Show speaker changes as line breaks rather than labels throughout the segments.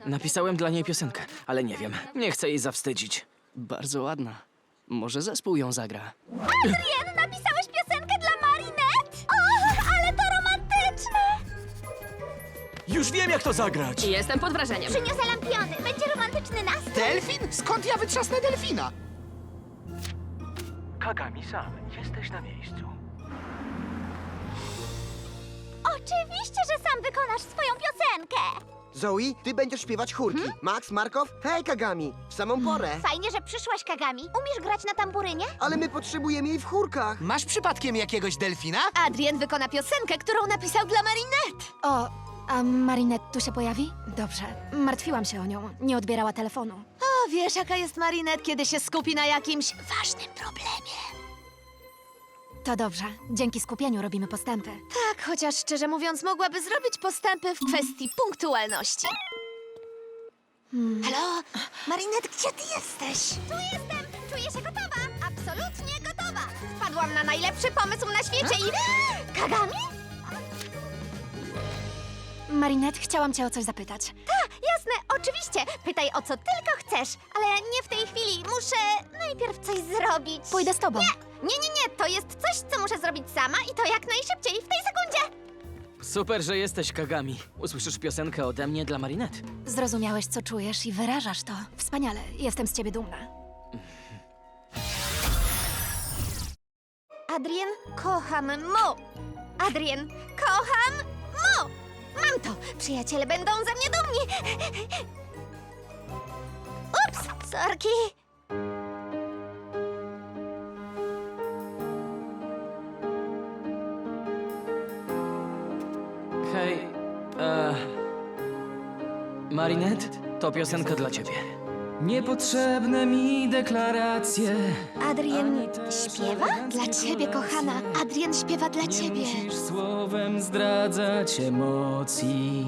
Napisałem dla niej piosenkę, ale nie wiem, nie chcę jej zawstydzić.
Bardzo ładna. Może zespół ją zagra.
Adrien, napisałeś piosenkę dla Marinette? O, ale to romantyczne!
Już wiem, jak to zagrać!
Jestem pod wrażeniem.
Przyniosę lampiony. Będzie romantyczny nastrój.
Delfin? Skąd ja wytrzasnę delfina?
Kagami-san, jesteś na miejscu.
Oczywiście, że sam wykonasz swoją piosenkę.
Zoe, ty będziesz śpiewać chórki. Max, Markow, hej Kagami, w samą porę.
Fajnie, że przyszłaś, Kagami. Umiesz grać na tamburynie?
Ale my potrzebujemy jej w chórkach.
Masz przypadkiem jakiegoś delfina?
Adrien wykona piosenkę, którą napisał dla Marinette.
O, a Marinette tu się pojawi? Dobrze. Martwiłam się o nią. Nie odbierała telefonu.
O, wiesz, jaka jest Marinette, kiedy się skupi na jakimś ważnym problemie.
To dobrze. Dzięki skupieniu robimy postępy.
Tak, chociaż szczerze mówiąc, mogłaby zrobić postępy w kwestii punktualności. Halo? Marinette, gdzie ty jesteś? Tu jestem! Czuję się gotowa! Absolutnie gotowa! Wpadłam na najlepszy pomysł na świecie i... Kagami?
Marinette, chciałam cię o coś zapytać.
Jasne, oczywiście. Pytaj o co tylko chcesz, ale nie w tej chwili. Muszę najpierw coś zrobić.
Pójdę z tobą.
Nie, to jest coś, co muszę zrobić sama i to jak najszybciej, w tej sekundzie.
Super, że jesteś, Kagami. Usłyszysz piosenkę ode mnie dla Marinette.
Zrozumiałeś, co czujesz i wyrażasz to. Wspaniale. Jestem z ciebie dumna.
Adrien, kocham Mo. Adrien, kocham Mo. Mam to. Przyjaciele będą ze mnie dumni. Ups, sorki.
Hej, Marinette, to piosenka dla ciebie. Niepotrzebne mi deklaracje.
Adrien śpiewa? Dla ciebie, kochana. Adrien śpiewa dla
Nie
ciebie.
musisz słowem zdradzać emocji.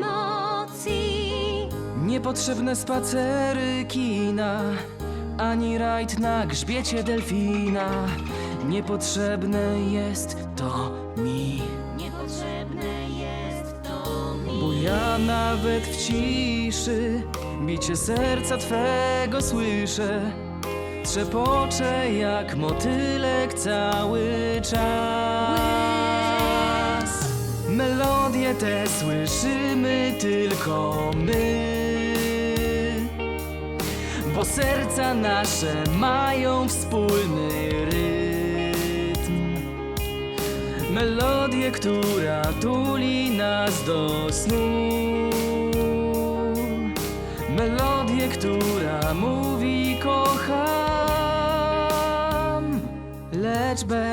Niepotrzebne spacery kina, ani rajd na grzbiecie delfina. Niepotrzebne jest to mi. Bo ja nawet w ciszy bicie serca twego słyszę. Trzepoczę jak motylek cały czas. Melodie te słyszymy tylko my, bo serca nasze mają wspólny rytm. Melodię, która tuli nas do snu. Melodię, która mówi kocham, lecz bez